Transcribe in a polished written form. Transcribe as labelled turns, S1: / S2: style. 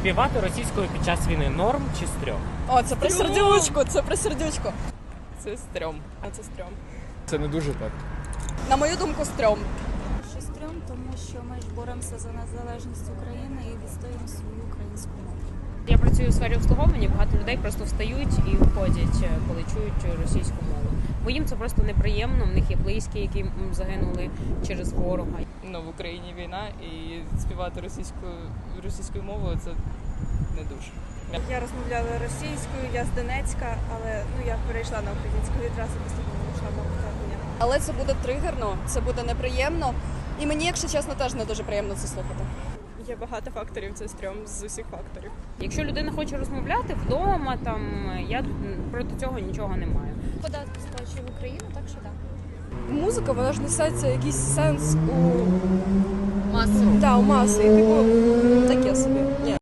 S1: Співати російською під час війни норм чи стрьом?
S2: О, це про сердючку, це про сердючку.
S3: Це стрьом. А це стрьом.
S4: Це не дуже так.
S2: На мою думку, стрьом.
S5: Що стрьом, тому що ми ж боремося за незалежність України і відстоюємо свою українську мову.
S6: Я працюю у сфері обслуговування, багато людей просто встають і входять, коли чують російську мову. Бо їм це просто неприємно, в них є близькі, які загинули через ворога.
S3: Ну, в Україні війна і співати російською мовою це не дуже.
S7: Я розмовляла російською, я з Донецька, але я перейшла на українську відразу після повномасштабного.
S2: Але це буде тригерно, це буде неприємно. І мені, якщо чесно, теж не дуже приємно це слухати.
S7: Є багато факторів, це стрьом з усіх факторів.
S6: Якщо людина хоче розмовляти вдома, я проти цього нічого не маю.
S5: Податки сплачує в Україну, так що так.
S2: Музика, вона ж несеться якийсь сенс у
S5: Маси.
S2: у маси. І типу таке собі. Ні.